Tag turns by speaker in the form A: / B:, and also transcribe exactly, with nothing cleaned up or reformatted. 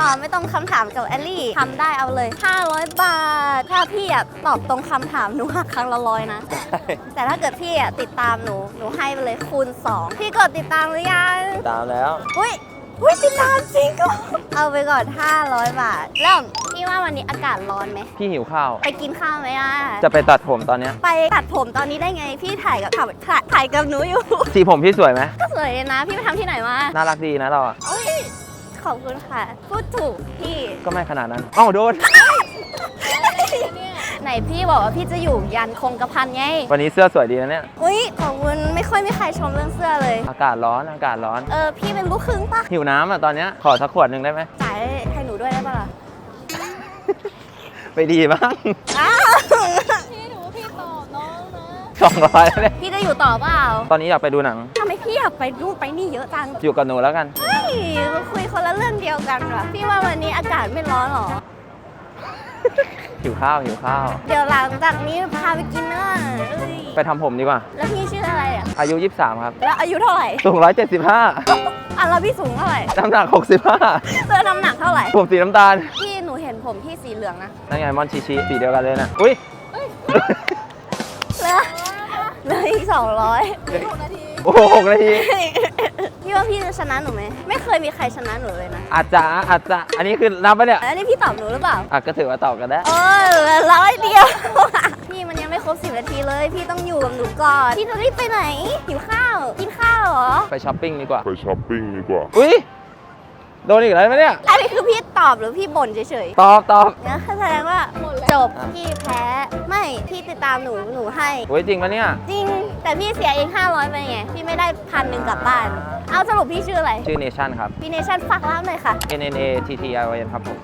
A: ตอบไม่ตรงคำถามกับแอลลี่ทำได้เอาเลยห้าร้อยบาทถ้าพี่อะตอบตรงคำถามหนูหักครั้งละร้อยนะแต่ถ้าเกิดพี่อะติดตามหนูหนูให้ไปเลยคูณสองพี่กดติดตามหรือยัง
B: ตามแล้ว
A: อุ้ยอุ้ยติดตามจริงก็เอาไปก่อนห้าร้อยบาทเริ่มพี่ว่าวันนี้อากาศร้อนไหม
B: พี่หิวข้าว
A: ไปกินข้าวไหมอ่ะ
B: จะไปตัดผมตอนเนี้ย
A: ไปตัดผมตอนนี้ได้ไงพี่ถ่ายกับถ่ายถ่ายถ่ายกับหนูอยู่
B: สีผมพี่สวยไหม
A: ก็สวยเลยนะพี่ไปทำที่ไหนมา
B: น่ารักดีนะเราอะ
A: โอ้ยขอบคุณค่ะ พูดถูกพี่
B: ก็ไม่ขนาดนั้นอ้าวโดน
A: ไหนพี่บอกว่าพี่จะอยู่ยันคงกระพันไง
B: วันนี้เสื้อสวยดีนะเนี่ย
A: อุ้ยขอบคุณไม่ค่อยมีใครชมเรื่องเสื้อเลย
B: อากาศร้อนอากาศร้อน
A: เออพี่เป็นลูกครึ่งปะ
B: หิวน้ำอ่ะตอนเนี้ยขอสักขวดหนึ่งได้ไหม
A: จ่ายให้หนูด้วยได้ปะล่ะ
B: ไปดีบ้าง
A: อ้าว
C: พี่หนูว่าพี่ตอบน้องนะ
B: สองร้อยแล้วเนี่ย
A: พี่จะอยู่ต่อเปล่า
B: ตอนนี้อยากไปดูหนัง
A: ทำไมพี่อยากไปนู่นไปนี่เยอะจัง
B: อยู่กับหนูแล้วกัน
A: เฮ้ยมาคุยคนละเรื่องเดียวกันว่ะพี่ว่าวันนี้อากาศไม่ร้อนหรอ
B: หิวข้าวหิวข้าว
A: เดี๋ยวหลังจากนี้พาไปกินเนื้อเอ้ย
B: ไปทำผมดีกว่า
A: แล้วพี่ชื่ออะไรอ่ะ
B: อายุยี่สิบสามครับ
A: แล้วอายุเท่าไหร่
B: สูงหนึ่งร้อยเจ็ดสิบห้า
A: อ่ะแล้วพี่สูงเท่าไหร่
B: น้ำหนักหกสิบห้า
A: เสื้อน้ำหนักเท่าไหร่
B: ผมสีน้ำตาล
A: พี่หนูเห็นผมพี่สีเหลืองนะ
B: นั่นไงมอนชิชิสีเดียวกันเลยนะอุ้ย
A: เหลือเหลืออีกสองร้อย
C: หกนาที
B: โอ้โหหกนาที
A: พี่ว่าพี่จะชนะหนูไหมไม่เคยมีใครชนะหนูเลยนะ
B: อาจจะอาจจะอันนี้คือนับปะเนี่ย
A: แล้วนี่พี่ตอบหนูหรือเปล่า
B: อ่ะก็ถือว่าตอบกันได้
A: เออเหลือร้อยเดียว พี่มันยังไม่ครบสิบนาทีเลย พี่ต้องอยู่กับหนูก่อนพี่จะรีบไปไหนหิวข้าวกินข้าวเหรอ
B: ไปช้อปปิ้งดีกว่า
D: ไปช้อปปิ้งดีกว่า
B: อุ้ยโดนอีกแล้วไหมเนี่ย
A: อันนี้คือพี่ตอบหรือพี่บ่นเฉย
B: ตอบตอบ
A: ๆนะแสดงว่าจบพี่แพ้ไม่พี่ติดตามหนูหนูให้
B: อุ้ยจริงปะเนี่ย
A: จริงแต่พี่เสียเองห้าร้อยไปไงพี่ไม่ได้พันหนึ่งกลับบ้าน เอาสรุปพี่ชื่ออะไร
B: ชื่อเนชั่นครับ
A: พี่เนชั่นฝากร้านหน่อยค่ะ
B: N N A T T I O N ครับผม